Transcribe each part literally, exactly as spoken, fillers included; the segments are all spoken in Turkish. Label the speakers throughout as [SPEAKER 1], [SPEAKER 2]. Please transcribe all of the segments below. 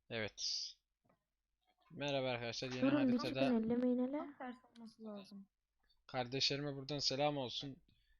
[SPEAKER 1] Evet. Merhaba arkadaşlar. Yeni
[SPEAKER 2] Durun bir çıkın
[SPEAKER 1] haritada
[SPEAKER 2] ellemeyin hele.
[SPEAKER 3] Tam tersi olması lazım.
[SPEAKER 1] kardeşlerime buradan selam olsun.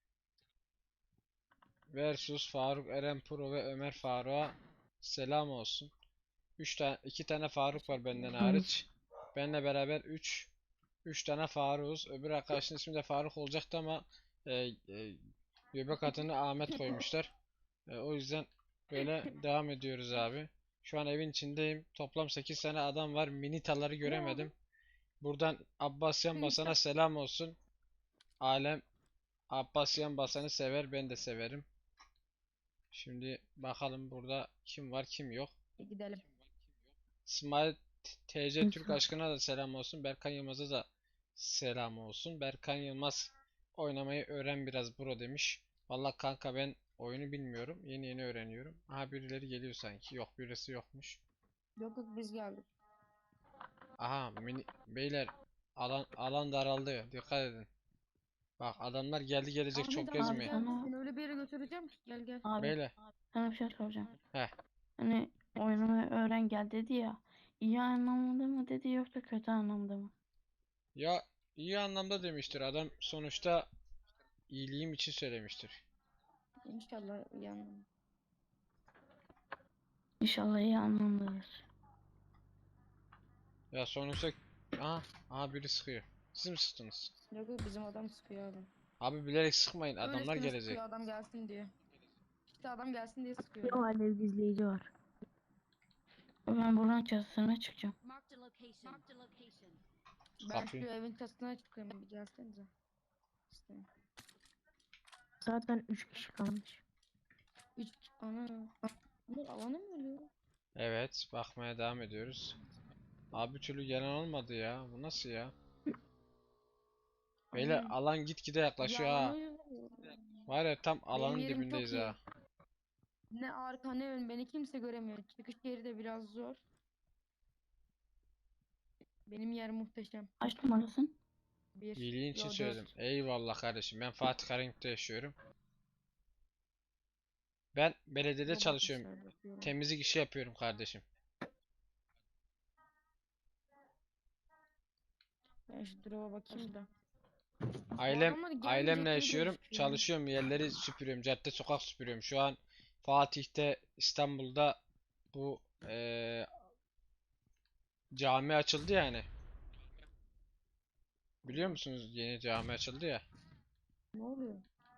[SPEAKER 1] Versus Faruk Eren Pro ve Ömer Faruk'a selam olsun. üç tane iki tane Faruk var benden
[SPEAKER 3] Teşekkürler.
[SPEAKER 2] Hayır.
[SPEAKER 1] hariç. Benle beraber üç üç tane Faruk'uz. Öbür arkadaşın ismi de Faruk olacaktı ama e, e, göbek adını Ahmet koymuşlar. E, o yüzden böyle devam ediyoruz abi. Şu an evin içindeyim. Toplam sekiz tane adam var. Minitaları
[SPEAKER 3] Ne abi?
[SPEAKER 1] göremedim. Buradan Abbasyan Basan'a
[SPEAKER 3] Minita.
[SPEAKER 1] selam olsun. Alem Abbasyan Basan'ı sever, ben de severim. Şimdi bakalım burada kim var kim yok.
[SPEAKER 3] E, gidelim.
[SPEAKER 1] İsmail T C Türk
[SPEAKER 2] İnsan.
[SPEAKER 1] aşkına da selam olsun. Berkan Yılmaz'a da selam olsun. Berkan Yılmaz oynamayı öğren biraz bro demiş. Valla kanka ben oyunu bilmiyorum. Yeni yeni öğreniyorum. Aha birileri geliyor sanki. Yok birisi yokmuş.
[SPEAKER 3] Yok yok biz geldik.
[SPEAKER 1] Aha mini beyler alan alan daraldı. Dikkat edin. Bak adamlar geldi gelecek çok
[SPEAKER 3] Ahmet abi
[SPEAKER 2] Abi
[SPEAKER 1] gezmeyin.
[SPEAKER 3] gel
[SPEAKER 2] sana
[SPEAKER 3] seni öyle bir yere götüreceğim ki gel gel.
[SPEAKER 2] abi
[SPEAKER 1] Beyler.
[SPEAKER 2] sana bir şey soracağım.
[SPEAKER 1] Heh.
[SPEAKER 2] Hani oynamayı öğren gel dedi ya. İyi anlamda mı dedi yoksa kötü anlamda mı?
[SPEAKER 1] Ya iyi anlamda demiştir. Adam sonuçta iyiliğim için söylemiştir.
[SPEAKER 3] İnşallah yandım.
[SPEAKER 2] İnşallah iyi anlamdadır.
[SPEAKER 1] Ya sonuçta aha, aha biri sıkıyor. Siz mi sıktınız?
[SPEAKER 3] Yok yok bizim adam sıkıyor abi.
[SPEAKER 1] Abi bilerek sıkmayın. Adamlar
[SPEAKER 3] Öylesine
[SPEAKER 1] gelecek.
[SPEAKER 3] sıkıyor adam gelsin diye. İşte adam gelsin diye sıkıyor.
[SPEAKER 2] Yok alev gizleyici var. Ben buradan çatısına çıkacağım.
[SPEAKER 4] Marked a location. Marked a location.
[SPEAKER 3] Ben şu
[SPEAKER 1] Kapıyı.
[SPEAKER 3] evin çatısına çıkıyorum bir gelsenize. İşte.
[SPEAKER 2] Zaten üç kişi kalmış.
[SPEAKER 3] Üç ana. Bunlar alana mı ölüyor?
[SPEAKER 1] Evet, bakmaya devam ediyoruz. Abi bir türlü gelen olmadı ya. Bu nasıl ya? Beyler
[SPEAKER 3] Aynen.
[SPEAKER 1] alan gitgide yaklaşıyor
[SPEAKER 3] Ya alana
[SPEAKER 1] ha.
[SPEAKER 3] ölüyor.
[SPEAKER 1] Var ya tam
[SPEAKER 3] Benim
[SPEAKER 1] alanın
[SPEAKER 3] yerim
[SPEAKER 1] dibindeyiz
[SPEAKER 3] çok iyi.
[SPEAKER 1] ha.
[SPEAKER 3] Ne arka ne ön beni kimse göremiyor. Çıkış yeri de biraz zor. Benim yer muhteşem.
[SPEAKER 2] Kaç numarasın?
[SPEAKER 3] Bir.
[SPEAKER 1] İyiliğin için
[SPEAKER 3] Yo
[SPEAKER 1] söyledim.
[SPEAKER 3] dört.
[SPEAKER 1] Eyvallah kardeşim. Ben Fatih Karayip'te yaşıyorum. Ben belediyede
[SPEAKER 3] Ne
[SPEAKER 1] çalışıyorum.
[SPEAKER 3] bakmışlar bakıyorum.
[SPEAKER 1] Temizlik işi yapıyorum kardeşim.
[SPEAKER 3] Ben şu drop'a bakayım da. Bu
[SPEAKER 1] Ailem
[SPEAKER 3] adamlar gelmeyecek
[SPEAKER 1] ailemle
[SPEAKER 3] gibi de
[SPEAKER 1] yaşıyorum.
[SPEAKER 3] gözüküyor.
[SPEAKER 1] Çalışıyorum. Yerleri süpürüyorum. Cadde sokak süpürüyorum. Şu an Fatih'te İstanbul'da bu eee, cami açıldı yani. Biliyor musunuz yeni cami açıldı ya.
[SPEAKER 3] Ne oluyor?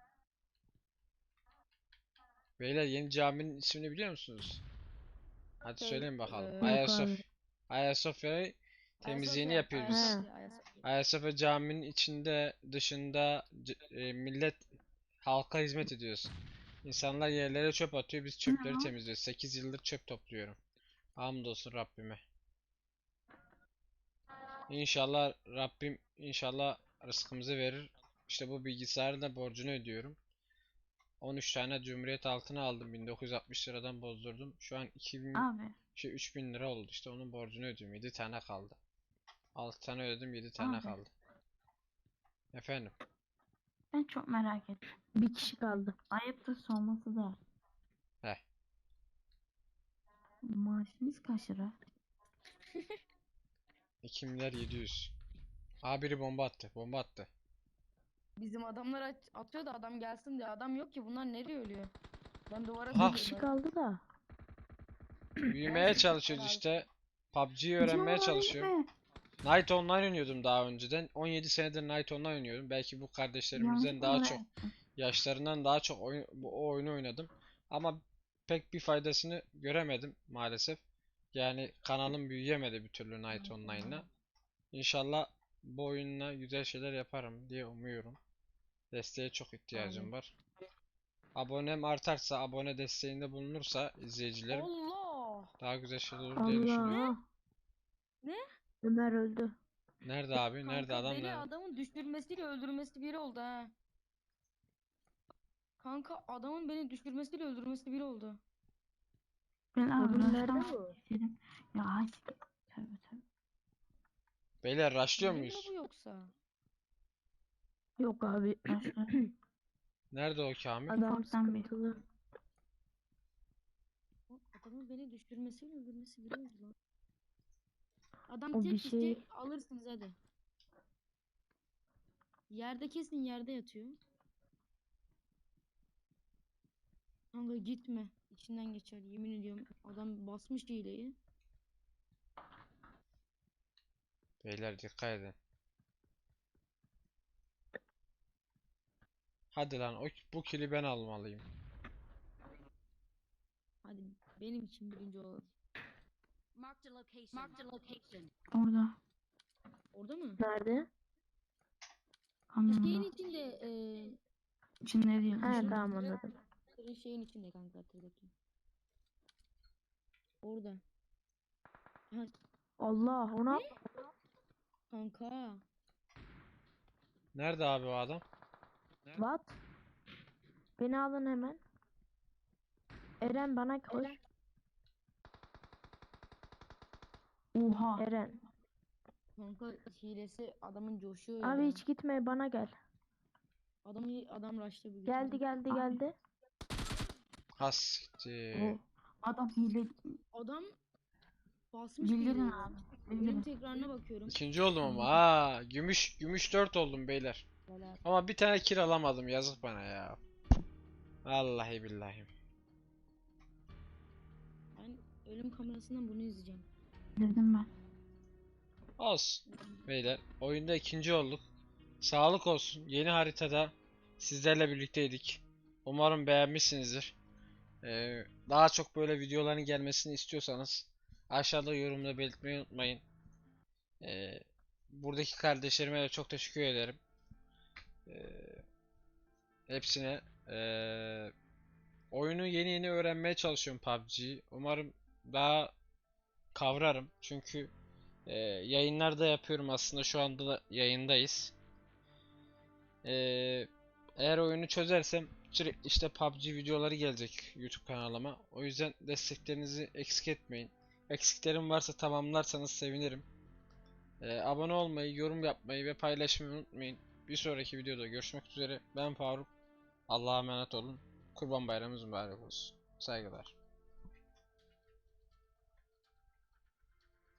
[SPEAKER 1] Beyler yeni caminin ismini biliyor musunuz? Hadi
[SPEAKER 3] Şey,
[SPEAKER 1] söyleyin bakalım.
[SPEAKER 3] eee
[SPEAKER 2] Yok abi.
[SPEAKER 1] Ayasofya. Ayasofya'yı temizliğini
[SPEAKER 3] Ayasofya.
[SPEAKER 1] yapıyoruz biz.
[SPEAKER 2] He.
[SPEAKER 3] Ayasofya. Ayasofya.
[SPEAKER 1] Ayasofya caminin içinde, dışında c- e, millet halka hizmet ediyoruz. İnsanlar yerlere çöp atıyor, biz
[SPEAKER 2] Ne
[SPEAKER 1] çöpleri
[SPEAKER 2] o?
[SPEAKER 1] temizliyoruz. sekiz yıldır çöp topluyorum. Hamdolsun Rabbime. İnşallah Rabbim inşallah rızkımızı verir. İşte bu bilgisayarın da borcunu ödüyorum. on üç tane Cumhuriyet altını aldım. bin dokuz yüz altmış liradan bozdurdum. Şu an iki bin,
[SPEAKER 2] Abi.
[SPEAKER 1] şey üç bin lira oldu. İşte onun borcunu ödüyorum. yedi tane kaldı. altı tane ödedim, yedi tane
[SPEAKER 2] Abi.
[SPEAKER 1] kaldı. Efendim.
[SPEAKER 2] Ben çok merak ettim. Bir kişi kaldı. Ayıptır sorması da.
[SPEAKER 1] Heh.
[SPEAKER 2] Maaşınız kaç lira?
[SPEAKER 1] iki milyar yedi yüz. Aa biri bomba attı. Bomba attı.
[SPEAKER 3] Bizim adamlar at- atıyor da adam gelsin diye. Adam yok ki bunlar nereye ölüyor? Ben duvara
[SPEAKER 1] Ha.
[SPEAKER 2] Bir
[SPEAKER 3] sıkıyorum
[SPEAKER 2] kişi
[SPEAKER 3] öyle.
[SPEAKER 2] kaldı da.
[SPEAKER 1] Büyümeye
[SPEAKER 3] Gelsin
[SPEAKER 1] çalışıyoruz
[SPEAKER 3] abi.
[SPEAKER 1] işte. P U B G'yi
[SPEAKER 2] Bizim
[SPEAKER 1] öğrenmeye
[SPEAKER 2] oralara
[SPEAKER 1] çalışıyorum.
[SPEAKER 2] gitme.
[SPEAKER 1] Night Online oynuyordum daha önceden. on yedi senedir Night Online oynuyorum. Belki bu kardeşlerimizden
[SPEAKER 2] Yanlışlıkla
[SPEAKER 1] daha
[SPEAKER 2] oraya
[SPEAKER 1] çok,
[SPEAKER 2] gittim.
[SPEAKER 1] yaşlarından daha çok oyun, bu o oyunu oynadım. Ama pek bir faydasını göremedim maalesef. Yani kanalım büyüyemedi bir türlü Night Online'la. İnşallah bu oyunla güzel şeyler yaparım diye umuyorum. Desteğe çok ihtiyacım
[SPEAKER 3] Amin.
[SPEAKER 1] var. Abonem artarsa, abone desteğinde bulunursa izleyicilerim
[SPEAKER 3] Allah!
[SPEAKER 1] daha güzel şeyler olur diye düşünüyorum.
[SPEAKER 2] Allah.
[SPEAKER 3] Ne?
[SPEAKER 2] Ömer öldü.
[SPEAKER 1] Nerede abi? Nerede
[SPEAKER 3] Kanka
[SPEAKER 1] adam
[SPEAKER 3] beni
[SPEAKER 1] nerede?
[SPEAKER 3] adamın düşürmesiyle öldürmesi biri oldu ha. Kanka adamın beni düşürmesiyle öldürmesi biri oldu.
[SPEAKER 2] Ben abi
[SPEAKER 5] Oğlum nerede
[SPEAKER 2] başlamak
[SPEAKER 5] bu?
[SPEAKER 2] istedim. Ya ay. Tövbe tövbe.
[SPEAKER 1] Beyler rushlıyor
[SPEAKER 3] Hile mi la
[SPEAKER 1] muyuz?
[SPEAKER 3] bu yoksa?
[SPEAKER 2] Yok abi. Başla.
[SPEAKER 1] Nerede o Kamil?
[SPEAKER 5] Adam
[SPEAKER 2] Ufaktan bir.
[SPEAKER 5] sıkıntılı.
[SPEAKER 3] Bak, adamın beni düşürmesi mi öldürmesi biliyoruz lan. Adam
[SPEAKER 2] O bir
[SPEAKER 3] tek işte
[SPEAKER 2] şey-
[SPEAKER 3] alırsınız hadi. Yerde kesin yerde yatıyor. Kanka gitme. İçinden geçer yemin ediyorum. Adam basmış hileyi.
[SPEAKER 1] Beyler dikkat edin. Hadi lan o, bu kili ben almalıyım.
[SPEAKER 3] Hadi benim için birinci olalım.
[SPEAKER 4] Marked a location. Marked a location.
[SPEAKER 2] Orada.
[SPEAKER 3] Orada mı?
[SPEAKER 5] Nerede?
[SPEAKER 3] Şeyin
[SPEAKER 2] Kamyonda.
[SPEAKER 3] içinde eee
[SPEAKER 2] İçinde değil.
[SPEAKER 5] He
[SPEAKER 2] dışında.
[SPEAKER 5] tamam anladım.
[SPEAKER 3] tırın şeyin içinde kanka tırdaki. Orada. Ha,
[SPEAKER 5] Allah ona
[SPEAKER 3] kanka.
[SPEAKER 1] Nerede abi o adam?
[SPEAKER 5] what? Beni alın hemen. Eren bana koş.
[SPEAKER 2] Oha.
[SPEAKER 5] Eren.
[SPEAKER 3] Kanka hilesi adamın coşuyor
[SPEAKER 5] Abi
[SPEAKER 3] ya.
[SPEAKER 5] hiç gitme bana gel.
[SPEAKER 3] Adam adam rush'ta bir
[SPEAKER 5] Geldi geldi
[SPEAKER 2] Abi.
[SPEAKER 5] geldi.
[SPEAKER 1] Hassiktir.
[SPEAKER 2] O adam hile.
[SPEAKER 3] Adam basmış
[SPEAKER 2] Bildirin
[SPEAKER 3] hileyi.
[SPEAKER 2] abi.
[SPEAKER 3] Ölüm
[SPEAKER 2] Bildirin.
[SPEAKER 3] tekrarına bakıyorum.
[SPEAKER 1] İkinci oldum ama. Aa, gümüş gümüş dört oldum beyler.
[SPEAKER 3] Helal.
[SPEAKER 1] Ama bir tane kill alamadım. Yazık bana ya. Vallahi billahi.
[SPEAKER 3] Ben ölüm kamerasından bunu izleyeceğim.
[SPEAKER 2] Bildirdim ben.
[SPEAKER 1] Olsun. Beyler oyunda ikinci olduk. Sağlık olsun. Yeni haritada sizlerle birlikteydik. Umarım beğenmişsinizdir. Ee, daha çok böyle videoların gelmesini istiyorsanız aşağıda yorumda belirtmeyi unutmayın. Ee, buradaki kardeşlerime de çok teşekkür ederim. Ee, hepsine. Ee, oyunu yeni yeni öğrenmeye çalışıyorum P U B G'yi. Umarım daha kavrarım. Çünkü e, yayınlarda yapıyorum aslında şu anda da yayındayız. Ee, eğer oyunu çözersem sürekli işte P U B G videoları gelecek YouTube kanalıma. O yüzden desteklerinizi eksik etmeyin. Eksiklerim varsa tamamlarsanız sevinirim. Ee, abone olmayı, yorum yapmayı ve paylaşmayı unutmayın. Bir sonraki videoda görüşmek üzere. Ben Faruk. Allah'a emanet olun. Kurban Bayramınız mübarek olsun. Saygılar.